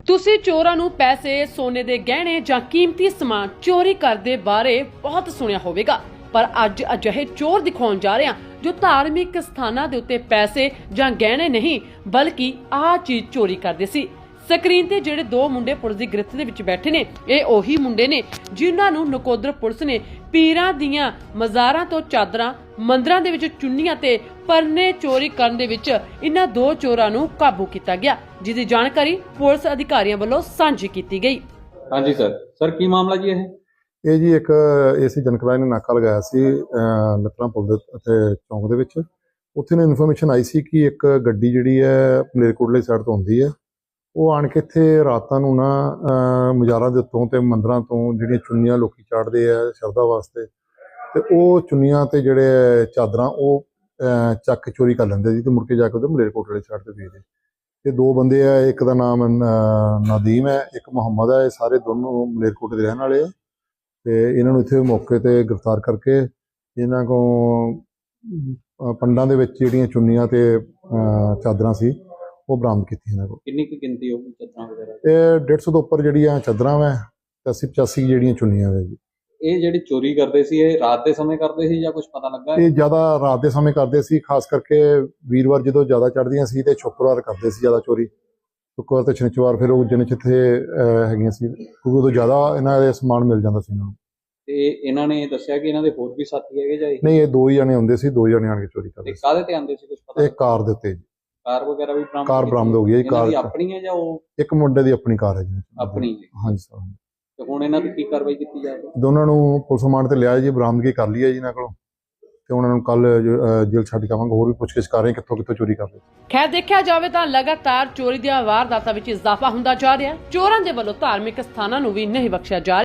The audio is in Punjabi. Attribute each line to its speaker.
Speaker 1: ਤੁਸੀਂ ਚੋਰਾਂ ਨੂੰ ਪੈਸੇ, ਸੋਨੇ ਦੇ ਗਹਿਣੇ ਜਾਂ ਕੀਮਤੀ ਸਮਾਨ ਚੋਰੀ ਕਰਦੇ ਬਾਰੇ ਬਹੁਤ ਸੁਣਿਆ ਹੋਵੇਗਾ, ਪਰ ਅੱਜ ਅਜਿਹੇ ਚੋਰ ਦਿਖਾਉਣ ਜਾ ਰਹੇ ਹਾਂ ਜੋ ਧਾਰਮਿਕ ਸਥਾਨਾਂ ਦੇ ਉੱਤੇ ਪੈਸੇ ਜਾਂ ਗਹਿਣੇ ਨਹੀਂ ਬਲਕਿ ਆਹ ਚੀਜ਼ ਚੋਰੀ ਕਰਦੇ ਸੀ। ਸਕਰੀਨ ਤੇ ਜਿਹੜੇ ਦੋ ਮੁੰਡੇ ਪੁਲਿਸ ਦੀ ਗ੍ਰਿਫਤ ਦੇ ਵਿੱਚ ਬੈਠੇ ਨੇ, ਇਹ ਉਹੀ ਮੁੰਡੇ ਨੇ ਜਿਨ੍ਹਾਂ ਨੂੰ ਨਕੋਦਰ ਪੁਲਿਸ ਨੇ ਪੀਰਾਂ ਦੀਆਂ ਮਜ਼ਾਰਾਂ ਤੋਂ ਚਾਦਰਾਂ, ਮੰਦਰਾਂ ਦੇ ਵਿੱਚ ਚੁੰਨੀਆਂ ਤੇ ਪਰਨੇ ਚੋਰੀ ਕਰਨ ਦੇ ਵਿੱਚ ਇਹਨਾਂ ਦੋ ਚੋਰਾਂ ਨੂੰ ਕਾਬੂ ਕੀਤਾ ਗਿਆ, ਜਿਸ ਦੀ ਜਾਣਕਾਰੀ ਪੁਲਿਸ ਅਧਿਕਾਰੀਆਂ ਵੱਲੋਂ ਸਾਂਝੀ ਕੀਤੀ ਗਈ।
Speaker 2: ਹਾਂਜੀ ਸਰ ਕੀ ਮਾਮਲਾ ਜੀ
Speaker 3: ਇਹ ਜੀ ਇੱਕ ਏਸੀ ਜਨਕਰਾਏ ਨੇ ਨਾਕਾ ਲਗਾਇਆ ਸੀ ਲੱਤਰਾਂ ਪੁਲ ਦੇ ਅਤੇ ਚੌਂਕ ਦੇ ਵਿੱਚ। ਉੱਥੇ ਨੇ ਇਨਫੋਰਮੇਸ਼ਨ ਆਈ ਸੀ ਕਿ ਇੱਕ ਗੱਡੀ ਜਿਹੜੀ ਹੈ ਮਲੇਰਕੋਟਲੇ ਸਾਈਡ ਤੋਂ ਆਉਂਦੀ ਹੈ, ਉਹ ਆਣ ਕੇ ਇੱਥੇ ਰਾਤਾਂ ਨੂੰ ਨਾ ਮਜ਼ਾਰਾਂ ਦੇ ਉੱਤੋਂ ਤੇ ਮੰਦਰਾਂ ਤੋਂ ਜਿਹੜੀਆਂ ਚੁੰਨੀਆਂ ਲੋਕੀ ਚਾੜਦੇ ਆ ਸ਼ਰਧਾ ਵਾਸਤੇ, ਤੇ ਉਹ ਚੁੰਨੀਆਂ ਤੇ ਜਿਹੜੇ ਚਾਦਰਾਂ ਉਹ ਚੱਕ ਕੇ ਚੋਰੀ ਕਰ ਲੈਂਦੇ ਜੀ, ਤੇ ਮੁੜ ਕੇ ਜਾ ਕੇ ਉਹਦੇ ਮਲੇਰਕੋਟਲੇ ਸਾਈਡ ਤੇ ਵੇਚਦੇ। ਤੇ ਦੋ ਬੰਦੇ ਆ, ਇੱਕ ਦਾ ਨਾਮ ਨਦੀਮ ਹੈ, ਇੱਕ ਮੁਹੰਮਦ ਹੈ। ਇਹ ਸਾਰੇ ਦੋਨੋਂ ਮਲੇਰਕੋਟਲੇ ਦੇ ਰਹਿਣ ਵਾਲੇ ਆ, ਤੇ ਇਹਨਾਂ ਨੂੰ ਇੱਥੇ ਮੌਕੇ ਤੇ ਗ੍ਰਿਫਤਾਰ ਕਰਕੇ ਇਹਨਾਂ ਕੋਲ ਪੰਡਾਂ ਦੇ ਵਿੱਚ ਜਿਹੜੀਆਂ ਚੁੰਨੀਆਂ ਤੇ ਚਾਦਰਾਂ ਸੀ ਉਹ ਬਰਾਮਦ ਕੀਤੀ ਇਹਨਾਂ ਕੋਲ।
Speaker 2: ਕਿੰਨੀ ਕੁ ਗਿਣਤੀ ਹੋਊਗੀ ਚਾਦਰਾਂ ਵਗੈਰਾ?
Speaker 3: ਇਹ 150 ਤੋਂ ਉੱਪਰ ਜਿਹੜੀਆਂ ਚਾਦਰਾਂ ਵਾ ਤੇ 80-85 ਜਿਹੜੀਆਂ ਚੁੰਨੀਆਂ ਵਾ ਜੀ।
Speaker 2: ਇਹ ਜਿਹੜੀ ਚੋਰੀ ਕਰਦੇ ਸੀ ਇਹ ਰਾਤ ਦੇ ਸਮੇਂ ਕਰਦੇ ਸੀ ਜਾਂ ਕੁਝ ਪਤਾ ਲੱਗਾ?
Speaker 3: ਇਹ ਜ਼ਿਆਦਾ ਰਾਤ ਦੇ ਸਮੇਂ ਕਰਦੇ ਸੀ, ਖਾਸ ਕਰਕੇ ਵੀਰਵਾਰ ਜਦੋਂ ਜ਼ਿਆਦਾ ਚੜ੍ਹਦੀਆਂ ਸੀ ਤੇ ਸ਼ੁੱਕਰਵਾਰ ਕਰਦੇ ਸੀ ਜ਼ਿਆਦਾ ਚੋਰੀ। ਸ਼ੁੱਕਰਵਾਰ ਤੇ ਸ਼ਨੀਚਰਵਾਰ ਫਿਰ ਉਹ ਜਿੰਨੇ ਜਿੱਥੇ ਹੈਗੀਆਂ ਸੀ, ਕਿਉਂਕਿ ਉਦੋਂ ਜ਼ਿਆਦਾ ਇਹਨਾਂ ਦੇ ਸਮਾਨ ਮਿਲ ਜਾਂਦਾ ਸੀ ਇਹਨਾਂ ਨੂੰ।
Speaker 2: ਤੇ ਇਹਨਾਂ ਨੇ ਦੱਸਿਆ ਕਿ ਇਹਨਾਂ ਦੇ ਹੋਰ ਵੀ ਸਾਥੀ ਹੈਗੇ ਜਾਂ
Speaker 3: ਨਹੀਂ, ਇਹ ਦੋ ਹੀ ਜਣੇ ਹੁੰਦੇ ਸੀ, ਦੋ ਜਣੇ ਆਣ ਕੇ ਚੋਰੀ ਕਰਦੇ ਸੀ।
Speaker 2: ਕਾਹਦੇ ਤੇ ਆਉਂਦੇ ਸੀ ਕੁਝ ਪਤਾ?
Speaker 3: ਇਹ ਕਾਰ ਦੇ ਉੱਤੇ ਜੀ।
Speaker 2: ਕਾਰ ਵਗੈਰਾ ਵੀ ਬਰਾਮਦ?
Speaker 3: ਕਾਰ ਬਰਾਮਦ ਹੋ ਗਈ ਹੈ। ਕਾਰ
Speaker 2: ਆਪਣੀ ਹੈ ਜਾਂ ਉਹ?
Speaker 3: ਇੱਕ ਮੁੰਡੇ ਦੀ ਆਪਣੀ ਕਾਰ ਹੈ ਜੀ।
Speaker 2: ਆਪਣੀ?
Speaker 3: ਹਾਂਜੀ ਸਰ।
Speaker 2: ਤੇ ਹੁਣ ਇਹਨਾਂ ਤੇ ਕੀ ਕਾਰਵਾਈ ਕੀਤੀ ਜਾਵੇ?
Speaker 3: ਦੋਨਾਂ ਨੂੰ ਪੁਲਿਸ ਰਿਮਾਂਡ ਤੇ ਲਿਆ ਜੀ, ਬਰਾਮਦਗੀ ਕਰ ਲਈ ਹੈ ਜੀ ਇਹਨਾਂ ਕੋਲੋਂ, ਤੇ ਉਹਨਾਂ ਨੂੰ ਕੱਲ ਜੇਲ੍ਹ ਛੱਡ ਕੇ ਆਵਾਂਗੇ। ਹੋਰ ਵੀ ਪੁੱਛਗਿੱਛ ਕਰ ਰਹੇ ਕਿੱਥੋਂ ਕਿੱਥੋਂ ਚੋਰੀ ਕਰਦੇ।
Speaker 1: ਖੈਰ ਦੇਖਿਆ ਜਾਵੇ ਤਾਂ ਲਗਾਤਾਰ ਚੋਰੀ ਦੀਆਂ ਵਾਰਦਾਤਾਂ ਵਿੱਚ ਇਜ਼ਾਫਾ ਹੁੰਦਾ ਜਾ ਰਿਹਾ ਹੈ। ਚੋਰਾਂ ਦੇ ਵੱਲੋਂ ਧਾਰਮਿਕ ਸਥਾਨਾਂ ਨੂੰ ਵੀ ਨਹੀਂ ਬਖਸ਼ਿਆ ਜਾ ਰਿਹਾ।